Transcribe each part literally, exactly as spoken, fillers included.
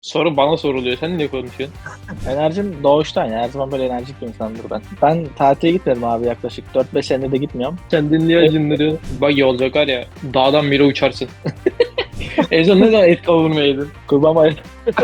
Soru bana soruluyor. Sen ne konuşuyorsun? Enerjim doğuştan ya. Her zaman böyle enerjik bir insandır ben. Ben tatile gitmedim abi yaklaşık dört beş senedir de gitmiyorum. Kendin niye acındırıyorsun? Buggy olacak var ya. Dağdan biri uçarsın. En son ne zaman et kavurma yedin? Kurban bayramı.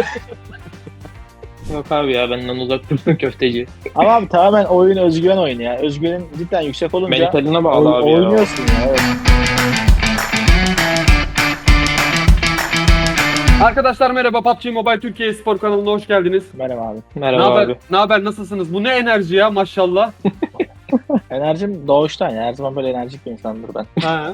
Yok abi ya, benden uzak dursun köfteci. Ama abi tamamen oyun özgüven oyunu ya. Özgüvenin cidden yüksek olunca Mentaline bağlı oy- abi ya. oynuyorsun ya. Evet. Arkadaşlar merhaba, P U B G Mobile Türkiye Spor kanalına hoş geldiniz. Merhaba abi. Ne Merhaba haber? abi. Ne haber? Nasılsınız? Bu ne enerji ya maşallah. Enerjim doğuştan ya. Her zaman böyle enerjik bir insandır ben. He.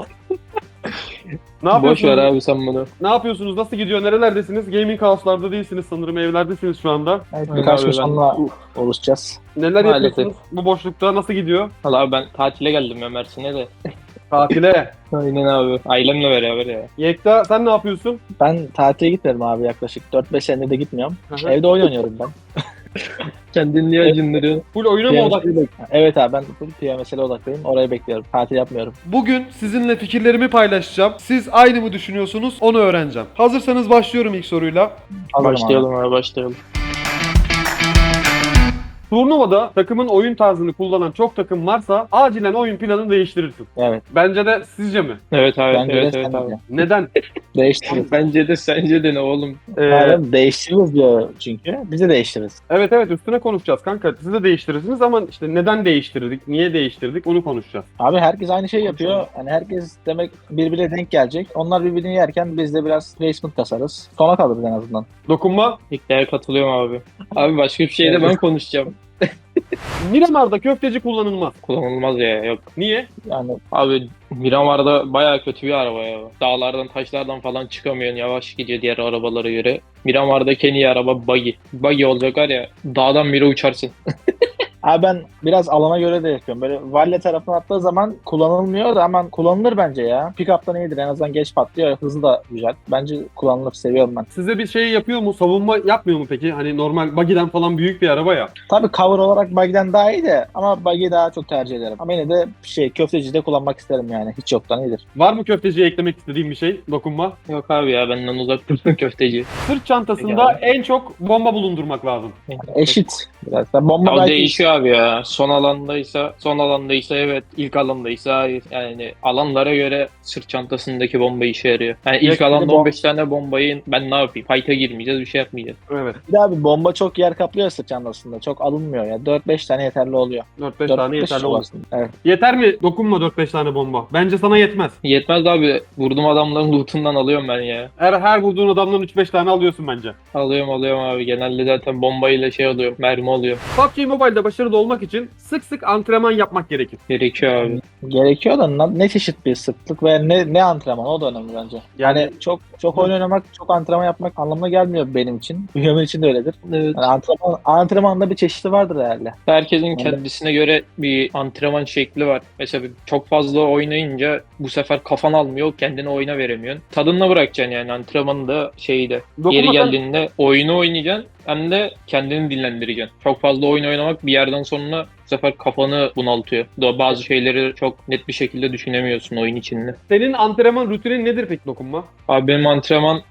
Ne Boş yapıyorsunuz? ver abi sen bunu. Ne yapıyorsunuz? Nasıl gidiyor? Nerelerdesiniz? Gaming house'larda değilsiniz sanırım. Evlerdesiniz şu anda. Evet, Aynen birkaç abi, gün ben- sonra oluşacağız. Neler Maalesef. yapıyorsunuz bu boşlukta? Nasıl gidiyor? Valla abi ben tatile geldim ya Mersin'e de. Tatile. Aynen abi. Ailemle beraber ya. Yekta sen ne yapıyorsun? Ben tatile gitmedim abi yaklaşık dört beş senedir de gitmiyorum. Hı hı. Evde oyun oynuyorum ben. Kendin niye acındırıyorsun? Full oyuna mı odak? P M S'e bek- Evet abi ben full P M S'e odaklıyım. Orayı bekliyorum. Tatil yapmıyorum. Bugün sizinle fikirlerimi paylaşacağım. Siz aynı mı düşünüyorsunuz? Onu öğreneceğim. Hazırsanız başlıyorum ilk soruyla. Hazırım abi. Başlayalım abi başlayalım. Turnuvada takımın oyun tarzını kullanan çok takım varsa acilen oyun planını değiştirirsin. Evet. Bence de sizce mi? Evet abi. Bence evet de evet sen abi. de. Neden? Değiştiririz. Bence de sence de ne oğlum? Ee, Abi değiştiririz diyor çünkü. Biz de değiştiririz. evet evet üstüne konuşacağız kanka. Siz de değiştirirsiniz ama işte neden değiştirdik, niye değiştirdik onu konuşacağız. Abi herkes aynı şey yapıyor. Hani herkes demek birbirine denk gelecek. Onlar birbirini yerken biz de biraz placement kasarız. Sona kalırız en azından. Dokunma. İddiaya katılıyorum abi. Abi başka bir şeyde ben konuşacağım. Miramar'da köfteci kullanılmaz. Kullanılmaz ya, yok. Niye? Yani Abi Miramar'da bayağı kötü bir araba ya. Dağlardan taşlardan falan çıkamıyorsun. Yavaş gidiyor diğer arabalara göre. Miramar'daki en iyi araba buggy. Buggy olacak var ya, dağdan biri uçarsın. abi ben biraz alana göre de yapıyorum. Böyle Valle tarafına attığı zaman kullanılmıyor da hemen kullanılır bence ya. Pick-up'tan iyidir. En azından geç patlıyor. Hızı da güzel. Bence kullanılır. Seviyorum ben. Size bir şey yapıyor mu? Savunma yapmıyor mu peki? Hani normal buggy'den falan büyük bir araba ya. Tabii cover olarak buggy'den daha iyi de ama buggy'i daha çok tercih ederim. Ama yine de şey köftecide kullanmak isterim yani. Hiç yoktan iyidir. Var mı köfteciye eklemek istediğim bir şey? Dokunma. Yok abi ya, benden uzak dursun köfteci. Sırt çantasında Yani. en çok bomba bulundurmak lazım. Eşit. Biraz da bomba Ya o belki değişiyor abi ya. Son alandaysa, son alandaysa evet, ilk alandaysa hayır. Yani alanlara göre sırt çantasındaki bomba işe yarıyor. Yani ilk Yakında alanda bom- on beş tane bombayı ben ne yapayım? Fight'a girmeyeceğiz, bir şey yapmayacağız. Evet. bir de abi bomba çok yer kaplıyor sırt çantasında. Çok alınmıyor ya. dört beş tane yeterli oluyor. dört beş dört tane beş yeterli çok olur. aslında. Evet. Yeter mi? Dokunma dört beş tane bomba. Bence sana yetmez. Yetmez abi. Vurdum adamların lootundan alıyorum ben ya. Her her vurduğun adamdan üç beş tane alıyorsun bence. Alıyorum alıyorum abi. Genelde zaten bombayla şey alıyorum. Mermi alıyorum. P U B G Mobile'da başarılı olmak için sık sık antrenman yapmak gerekir. Gerekiyor abi. Gerekiyor da na- ne çeşit bir sıklık ve ne ne antrenman o da önemli bence. Yani- Yani çok çok oyun oynamak, çok antrenman yapmak anlamına gelmiyor benim için. Bünyamin için de öyledir. Evet. Yani antrenman, antrenmanda bir çeşidi vardır herhalde. Herkesin kendisine göre bir antrenman şekli var. Mesela çok fazla oynayınca bu sefer kafan almıyor, kendini oyuna veremiyorsun. Tadına bırakacaksın yani antrenmanı da şeyi de. Dokunma Yeri sen- geldiğinde oyunu oynayacaksın hem de kendini dinlendireceksin. Çok fazla oyun oynamak bir yerden sonra bu sefer kafanı bunaltıyor. Da bazı şeyleri çok net bir şekilde düşünemiyorsun oyun içinde. Senin antrenman rutinin nedir peki dokunma? Abi benim antrenman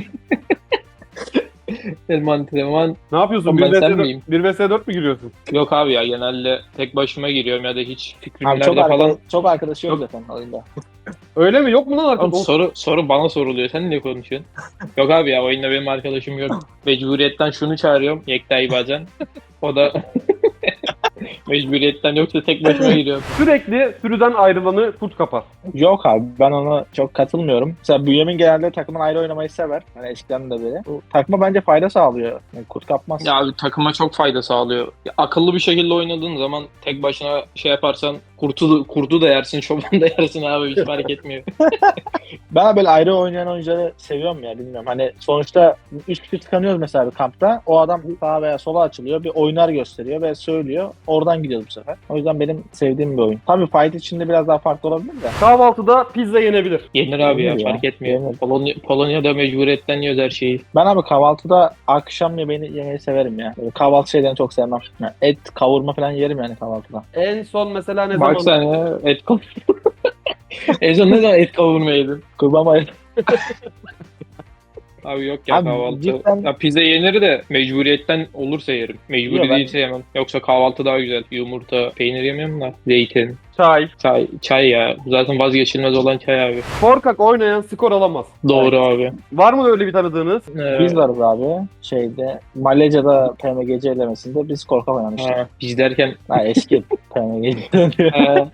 benim antrenman Ne yapıyorsun? Oğlum bir ben vs sen dört miyim? bir vs dört mü giriyorsun? yok abi ya, genelde tek başıma giriyorum ya da hiç Abi fikrimlerde çok, falan. arkadaş, çok arkadaşı yok Yok. zaten oyunda. Öyle mi? Yok mu lan Oğlum arkadaş? soru soru bana soruluyor. Sen ne konuşuyorsun? Yok abi ya, oyunda benim arkadaşım yok. Mecburiyetten şunu çağırıyorum. Yekta'yı bazen. O da mecburiyetten, yoksa tek başıma giriyorum. Sürekli sürüden ayrılanı kurt kapar. Yok abi ben ona çok katılmıyorum. Mesela Bünyamin genelde takımın ayrı oynamayı sever. Hani eskiden de böyle. Bu takıma bence fayda sağlıyor. Yani kurt kapmaz. Ya abi takıma çok fayda sağlıyor. Ya akıllı bir şekilde oynadığın zaman tek başına şey yaparsan kurtu, kurdu da yersin, çoban da yersin abi, hiç fark etmiyor. Ben böyle ayrı oynayan oyuncuları seviyorum ya bilmiyorum. Hani sonuçta üç kişi tıkanıyoruz mesela bir kampta. O adam sağa veya sola açılıyor. Bir oynar gösteriyor ve söylüyor. Oradan gidiyoruz bu sefer. O yüzden benim sevdiğim bir oyun. Tabii fight içinde biraz daha farklı olabilir de. Kahvaltıda pizza yenebilir. Yenir abi ya, Yenir ya, fark etmiyor. yenir. Polonya, Polonya'da mecburiyetten yiyoruz her şeyi. Ben abi kahvaltıda akşam yemeğini yemeyi severim ya. Böyle kahvaltı şeylerini çok sevmem. Yani et, kavurma falan yerim yani kahvaltıda. En son mesela ne Bak zaman? sen ya, et kavurma. En son ne zaman et kavurma yedin? Kurban bayramı. Abi yok ya Abi kahvaltı. cidden- Ya pizza yenir de mecburiyetten olursa yerim. Mecburi Yok, ben- değilse yemem. Yoksa kahvaltı daha güzel. Yumurta, peynir yemiyorum da. Zeytin. Çay. Çay, çay ya. Zaten vazgeçilmez olan çay abi. Korkak oynayan skor alamaz. Doğru abi. Var mı öyle bir tanıdığınız? Ee, Biz varız abi. Şeyde Malezya'da P M G C elemesinde biz korkak oynamıştık. ha, biz derken Ha, eski P M G C. ha,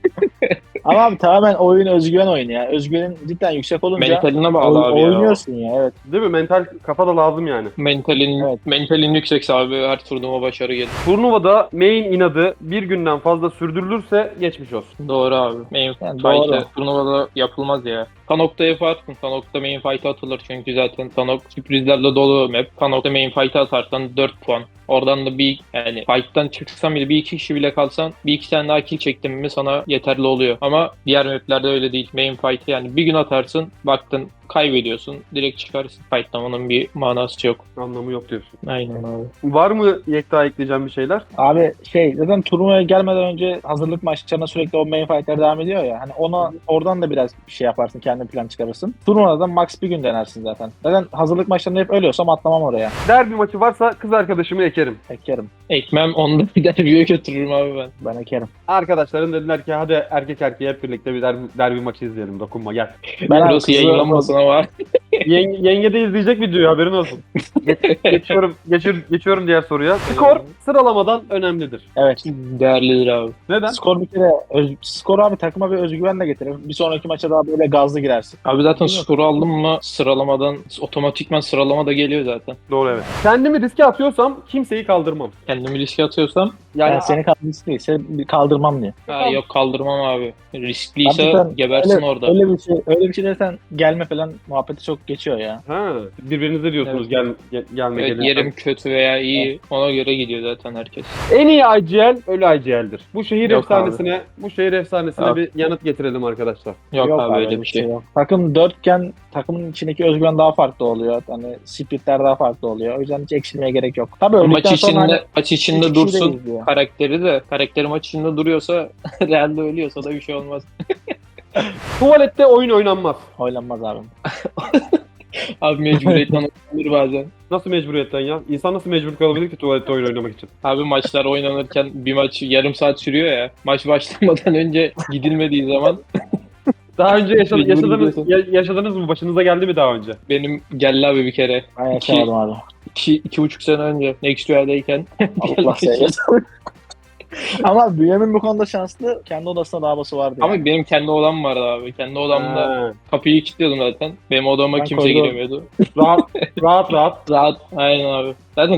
Ama abi tamamen oyun özgüven oyunu ya. Özgüvenin cidden yüksek olunca mentaline bağlı oy- abi ya. oynuyorsun ya. Evet. Değil mi? Mental kafa da lazım yani. Mentalin, Evet. mentalin yüksekse abi her turnuva başarı gelir. Turnuvada main inadı bir günden fazla sürdürülürse geçmiş olsun. Doğru abi. Main Yani fight'ı doğru. turnuvada yapılmaz ya. Tanok'ta yaparsın. Tanok'ta main fight'a atılır çünkü zaten Tanok sürprizlerle dolu map. Tanok'ta main fight'a atarsan dört puan. Oradan da bir yani fight'tan çıksan bile bir iki kişi bile kalsan bir iki tane daha kill çektin mi sana yeterli oluyor. Ama diğer maplerde öyle değil. Main fight'ı yani bir gün atarsın baktın kaybediyorsun. Direkt çıkarsın. Fight'lamanın bir manası yok. Anlamı yok diyorsun. Aynen abi. Var mı Yekta ekleyeceğim bir şeyler? Abi şey zaten turnuvaya gelmeden önce hazırlık maçlarına sürekli o main fight'ler devam ediyor ya. Hani ona oradan da biraz bir şey yaparsın. Kendi plan çıkarırsın. Turnuvada da max bir gün denersin zaten. Zaten hazırlık maçlarında hep ölüyorsam atlamam oraya. Derbi maçı varsa kız arkadaşımı ekerim. Ekerim. Ekmem onda bir derbiye götürürüm abi ben. Ben ekerim. Arkadaşlarım dediler ki hadi erkek erkeğe hep birlikte bir derbi, derbi maçı izleyelim. Dokunma gel. Ben abi Burası kızı- yayınlanmasın ama. Yenge, yenge de izleyecek videoyu haberin olsun. Geç- geçiyorum, geçir, geçiyorum diğer soruya. Skor sıralamadan önemlidir. Evet. Değerlidir abi. Neden? Skor bir kere öz, skor abi takıma bir özgüven de getirir. Bir sonraki maça daha böyle gazlı girersin. Abi zaten Değil mi? skoru aldın mı sıralamadan otomatikman sıralama da geliyor zaten. Doğru evet. Kendimi riske atıyorsam kimseyi kaldırmam. Kendimi riske atıyorsam Yani Yani seni kaldırırsın değil, seni kaldırmam diye. ha, yok kaldırmam abi. Riskliyse Abi sen gebersin öyle, orada. Öyle bir şey, öyle bir şey dersen gelme falan muhabbeti çok geçiyor ya. ha, birbirinize diyorsunuz Evet. gel, gel gelme Evet, gelin. yerim kötü veya iyi ona göre gidiyor zaten herkes. En iyi I G L ölü I G L'dir. Bu şehir Yok efsanesine, bu şehir efsanesine Abi. bir yanıt getirelim arkadaşlar. Yok, abi öyle bir şey. yok. Takım dörtken takımın içindeki özgüven daha farklı oluyor. Hani splitler daha farklı oluyor. O yüzden hiç eksilmeye gerek yok. Tabii Maç öldükten sonra içinde hani maç üç içinde kişi de dursun izliyor. karakteri de karakteri maç içinde duruyorsa realde ölüyorsa da bir şey olmaz. Tuvalette oyun oynanmaz. Oynanmaz abi. Abi mecburiyetten olur bazen. Nasıl mecburiyetten ya? İnsan nasıl mecbur kalabilir ki tuvalette oyun oynamak için? Abi maçlar oynanırken bir maç yarım saat sürüyor ya. Maç başlamadan önce gidilmediği zaman Daha önce yaşa- Mecbur yaşadınız, gidiyorsun. ya- yaşadınız mı? Başınıza geldi mi daha önce? benim geldi abi bir kere. Ben İki- yaşamadım abi. İki, iki buçuk sene önce Next Duel'deyken. Allah seversen. Ama Bünyamin bu konuda şanslı. Kendi odasında davası vardı. yani. Ama benim kendi odam vardı abi. Kendi odamda Ha, kapıyı kilitliyordum zaten. Benim odama Ben kimse koridor- giremiyordu. rahat, rahat rahat. Rahat. Aynen abi. Zaten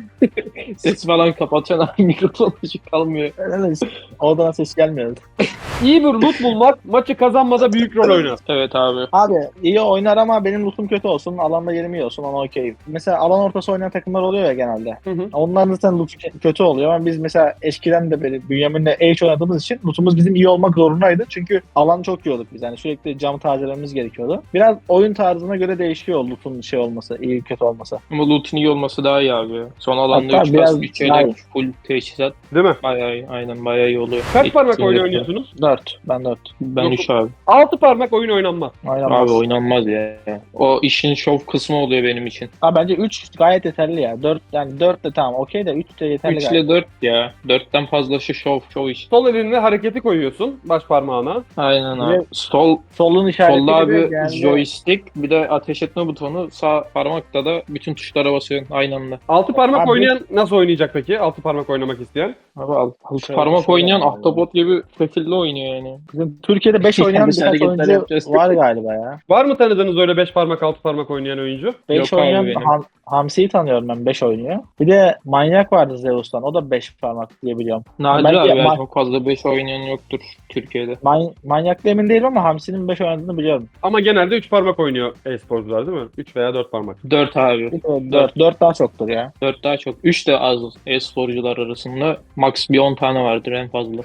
ses falan kapatıyorsun abi. Mikrofon açık kalmıyor. Öyle de odadan ses gelmiyordu. İyi bir loot bulmak maçı kazanmada büyük rol oynar. Evet abi. Abi iyi oynar ama benim lootum kötü olsun. Alanda yerim iyi olsun. Ona okeyim. Mesela alan ortası oynayan takımlar oluyor ya genelde. Hı hı. Onların zaten loot kötü oluyor ama biz mesela eskiden de böyle Bünyamin'le H oynadığımız için lootumuz bizim iyi olmak zorundaydı. Çünkü alan çok yiyorduk biz. Yani sürekli cam tazelememiz gerekiyordu. Biraz oyun tarzına göre değişiyor lootun şey olması, iyi kötü olması. Ama loot'un iyi olması daha iyi abi. Son alanda Hatta üç biraz kas, üç daha iyi. yelek, full teçhizat. Değil mi? Bayağı iyi. Aynen bayağı iyi oluyor. Kaç parmak Etkinlikler. oyun oynuyorsunuz? dört. Ben dört. Ben Yok. üç abi. Altı parmak oyun oynanmaz. Oynamaz. Abi oynanmaz ya. O işin şov kısmı oluyor benim için. Abi bence üç gayet yeterli ya. dört yani dört de tamam okey de üç de yeterli üç gayet. ile dört ya. dörtten fazlası şov, şov iş. Sol elinle hareketi koyuyorsun baş parmağına. Aynen Bir abi. de Sol, Solun işareti solda gibi abi yani- joystick bir de ateş etme butonu. Sağ parmakta da bütün tuşlara basıyorsun aynı anda. Altı parmak Abi- oynayan nasıl oynayacak peki? Altı parmak oynamak isteyen. Abi alt, alt Şöyle- parmak şöyle oynayan yani. ahtapot gibi şekilde oynuyor yani. Bizim Türkiye'de beş oynayan Yanlış birkaç hareketler oyuncu yapacağız. var galiba ya. Var mı tanıdığınız öyle beş parmak altı parmak oynayan oyuncu? beş Yok abi oynayan benim. Ham- Hamsi'yi tanıyorum ben beş oynuyor. Bir de Manyak vardı Zeus'tan. O da beş parmak diye biliyorum. Nadir Belki abi ya, ma- çok fazla beş oynayan yoktur Türkiye'de. Man- Manyak'la emin değilim ama Hamsi'nin beş oynadığını biliyorum. Ama genelde üç parmak oynuyor e-sporcular değil mi? üç veya dört parmak. dört abi. dört dört daha çoktur ya. dört daha çok. üç de az e-sporcular arasında. Max bir on tane vardır en fazla.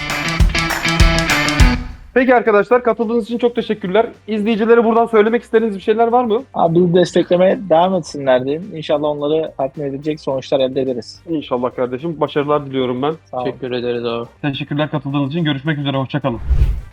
Peki arkadaşlar katıldığınız için çok teşekkürler. İzleyicilere buradan söylemek istediğiniz bir şeyler var mı? Abi bizi desteklemeye devam etsinler diyeyim. İnşallah onları tatmin edecek sonuçlar elde ederiz. İnşallah kardeşim. Başarılar diliyorum ben. Sağ olun. Teşekkür ederiz abi. Teşekkürler katıldığınız için. Görüşmek üzere. Hoşçakalın.